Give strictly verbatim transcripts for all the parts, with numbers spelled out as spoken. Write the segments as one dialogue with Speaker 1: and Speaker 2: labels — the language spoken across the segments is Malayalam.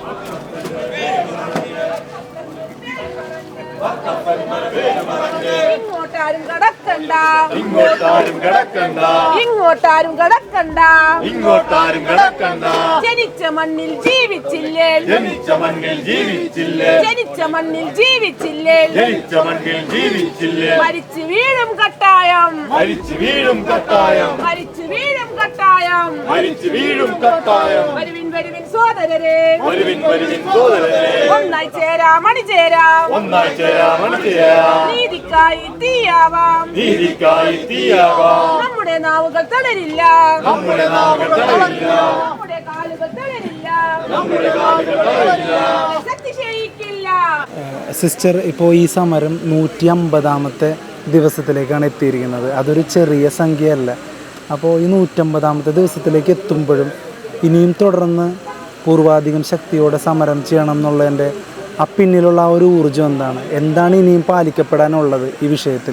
Speaker 1: ഇങ്ങോട്ടാരും കടക്കണ്ട
Speaker 2: ഇങ്ങോട്ടാരും കടക്കണ്ട
Speaker 1: ഇങ്ങോട്ടാരും കടക്കണ്ട
Speaker 2: ഇങ്ങോട്ടാരും കടക്കണ്ട
Speaker 1: ജനിച്ച മണ്ണിൽ ജീവിച്ചില്ലേ
Speaker 2: ജനിച്ച മണ്ണിൽ ജീവിച്ചില്ലേ
Speaker 1: ജനിച്ച മണ്ണിൽ ജീവിച്ചില്ലേ
Speaker 2: ജനിച്ച മണ്ണിൽ ജീവിച്ചില്ലേ
Speaker 1: മരിച്ചു വീഴും കട്ടായം
Speaker 2: മരിച്ചു വീഴും കട്ടായം
Speaker 1: മരിച്ചു വീഴും കട്ടായം
Speaker 2: മരിച്ചു വീഴും കട്ടായം
Speaker 1: വരുവിൻ വരുവിൻ സോദരരെ
Speaker 2: വരുവിൻ വരുവിൻ സോദരരെ
Speaker 1: ഒന്നായി ചേരാം അണിചേരാം
Speaker 2: ഒന്നായി ചേരാം അണിചേരാം
Speaker 1: നീതിക്കായി തീയാവാം
Speaker 2: നീതിക്കായി തീയാകാം
Speaker 1: നമ്മുടെ നാവുകൾ തളരില്ല
Speaker 2: നമ്മുടെ നാവുകൾ തളരില്ല
Speaker 1: നമ്മുടെ കാലുകൾ തളരില്ല
Speaker 2: നമ്മുടെ കാലുകൾ തളരില്ല
Speaker 1: ശക്തി ക്ഷയിക്കില്ല.
Speaker 3: സിസ്റ്റർ ഇപ്പോൾ ഈ സമരം നൂറ്റി അമ്പതാമത്തെ ദിവസത്തിലേക്കാണ് എത്തിയിരിക്കുന്നത്. അതൊരു ചെറിയ സംഖ്യയല്ല. അപ്പോൾ ഈ നൂറ്റമ്പതാമത്തെ ദിവസത്തിലേക്ക് എത്തുമ്പോഴും ഇനിയും തുടർന്ന് പൂർവാധികം ശക്തിയോടെ സമരം ചെയ്യണം എന്നുള്ളതിൻ്റെ ആ പിന്നിലുള്ള ആ ഒരു ഊർജ്ജം എന്താണ് എന്താണ് ഇനിയും പാലിക്കപ്പെടാനുള്ളത് ഈ വിഷയത്തിൽ?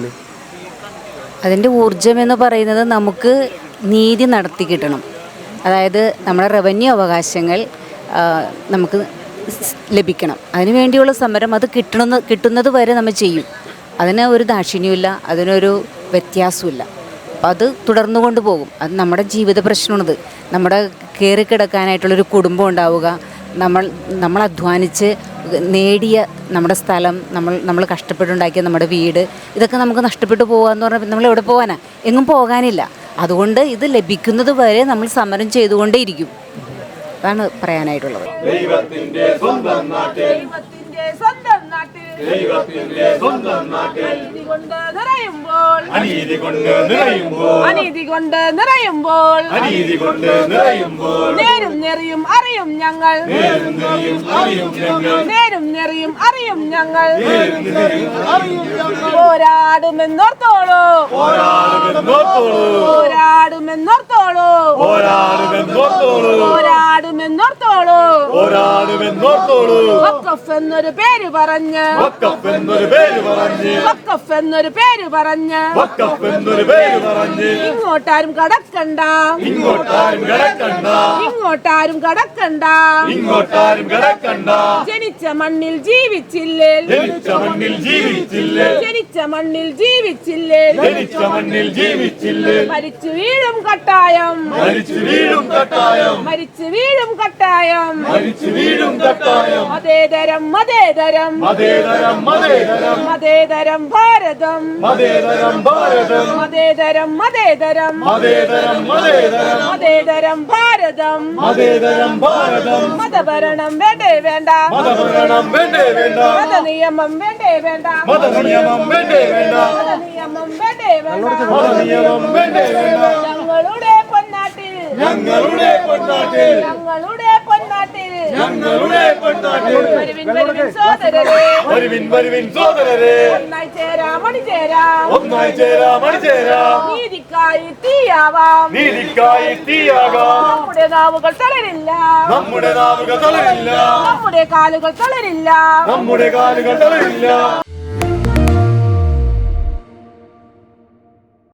Speaker 4: അതിൻ്റെ ഊർജ്ജം എന്ന് പറയുന്നത് നമുക്ക് നീതി നടത്തി കിട്ടണം. അതായത് നമ്മുടെ റവന്യൂ അവകാശങ്ങൾ നമുക്ക് ലഭിക്കണം. അതിനു വേണ്ടിയുള്ള സമരം അത് കിട്ടണമെന്ന് കിട്ടുന്നത് വരെ നമ്മൾ ചെയ്യും. അതിന് ഒരു ദാക്ഷിണ്യമില്ല, അതിനൊരു വ്യത്യാസമില്ല. അപ്പം അത് തുടർന്നു കൊണ്ട് പോകും. അത് നമ്മുടെ ജീവിത പ്രശ്നമാണത്. നമ്മുടെ കയറി കിടക്കാനായിട്ടുള്ളൊരു കുടുംബം ഉണ്ടാവുക, നമ്മൾ നമ്മൾ അധ്വാനിച്ച് നേടിയ നമ്മുടെ സ്ഥലം, നമ്മൾ നമ്മൾ കഷ്ടപ്പെട്ടുണ്ടാക്കിയ നമ്മുടെ വീട്, ഇതൊക്കെ നമുക്ക് നഷ്ടപ്പെട്ടു പോകുക എന്ന് പറഞ്ഞാൽ നമ്മൾ എവിടെ പോകാനാണ്? എങ്ങും പോകാനില്ല. അതുകൊണ്ട് ഇത് ലഭിക്കുന്നത് വരെ നമ്മൾ സമരം ചെയ്തുകൊണ്ടേയിരിക്കും. അതാണ് പറയാനായിട്ടുള്ളത്.
Speaker 2: ദൈവത്തിന്റെ സ്വന്തം നാട്ടിൽ
Speaker 1: ദൈവത്തിന്റെ സ്വന്തം നാട്ടിൽ
Speaker 2: ദൈവത്തിന്റെ സ്വന്തം നാട്ടിൽ
Speaker 1: അനീതി കൊണ്ട് നിറയുമ്പോൾ
Speaker 2: അനീതി കൊണ്ട് നിറയുമ്പോൾ
Speaker 1: അനീതി കൊണ്ട് നിറയുമ്പോൾ
Speaker 2: അനീതി കൊണ്ട് നിറയുമ്പോൾ
Speaker 1: നേരും നെറിയും അറിയും ഞങ്ങൾ
Speaker 2: നേരും നെറിയും അറിയും ഞങ്ങൾ
Speaker 1: നേരും നെറിയും അറിയും ഞങ്ങൾ
Speaker 2: നേരും നെറിയും അറിയും ഞങ്ങൾ
Speaker 1: പോരാടുമെന്നോർത്തോളൂ
Speaker 2: പോരാടുമെന്നോർത്തോളൂ
Speaker 1: പോരാടുമെന്നോർത്തോളൂ
Speaker 2: പോരാടുമെന്നോർത്തോളൂ
Speaker 1: പോരാടുമെന്നോർത്തോളൂ
Speaker 2: പോരാടുമെന്നോർത്തോളൂ
Speaker 1: വഖഫ് എന്നൊരു പേര് പറഞ്ഞ്
Speaker 2: വഖഫ് എന്നൊരു പേര് പറഞ്ഞ്
Speaker 1: വഖഫ് എന്നൊരു പേര് പറഞ്ഞ്
Speaker 2: വഖഫ് എന്നൊരു പേര് പറഞ്ഞ്
Speaker 1: ഇങ്ങോട്ടാരും കടക്കണ്ട
Speaker 2: ഇങ്ങോട്ടാരും കടക്കണ്ട
Speaker 1: ഇങ്ങോട്ടാരും കടക്കണ്ട
Speaker 2: ഇങ്ങോട്ടാരും കടക്കണ്ട
Speaker 1: ജനിച്ച മണ്ണിൽ ജീവിച്ചില്ലേ
Speaker 2: ജനിച്ച മണ്ണിൽ ജീവിച്ചില്ലേ
Speaker 1: ജനിച്ച മണ്ണിൽ ജീവിച്ചില്ലേ
Speaker 2: ജനിച്ച മണ്ണിൽ ജീവിച്ചില്ലേ
Speaker 1: മരിച്ചു വീഴും കട്ടായം
Speaker 2: മരിച്ചു വീഴും കട്ടായം
Speaker 1: മരിച്ചു വീഴും കട്ടായം
Speaker 2: മരിച്ചു വീഴും കട്ടായം
Speaker 1: മതേതരം മതേതരം
Speaker 2: മതേതരം മതേതരം
Speaker 1: മതേതരം ഭാരതം
Speaker 2: മതേതരം ഭാരതം
Speaker 1: മതേതരം മതേതരം
Speaker 2: മതേതരം മതേതരം
Speaker 1: മതേതരം ഭാരതം
Speaker 2: മതേതരം ഭാരതം
Speaker 1: മതഭരണം വേണ്ടേ വേണ്ട
Speaker 2: മതഭരണം വേണ്ടേ വേണ്ട
Speaker 1: മതനിയമം വേണ്ടേ വേണ്ട
Speaker 2: മതനിയമം വേണ്ടേ വേണ്ട
Speaker 1: മതനിയമം വേണ്ടേ വേണ്ട
Speaker 2: മതനിയമം വേണ്ടേ വേണ്ട
Speaker 1: ഞങ്ങളുടെ പൊന്നാട്ടിൽ
Speaker 2: ഞങ്ങളുടെ പൊന്നാട്ടിൽ
Speaker 1: ഞങ്ങളുടെ പൊന്നാട്ടിൽ
Speaker 2: ഞങ്ങളുടെ പൊന്നാട്ടിൽ
Speaker 1: വരുവിൻ വരുവിൻ സോദരരെ
Speaker 2: വരുവിൻ വരുവിൻ സോദരരെ
Speaker 1: ഒന്നായി ചേരാം അണിചേരാം
Speaker 2: ഒന്നായി ചേരാം അണിചേരാം
Speaker 1: നീതിക്കായി തീയാവാം
Speaker 2: നീതിക്കായി തീയാകാം
Speaker 1: നമ്മുടെ നാവുകൾ തളരില്ല
Speaker 2: നമ്മുടെ നാവുകൾ തളരില്ല
Speaker 1: നമ്മുടെ കാലുകൾ തളരില്ല
Speaker 2: നമ്മുടെ കാലുകൾ തളരില്ല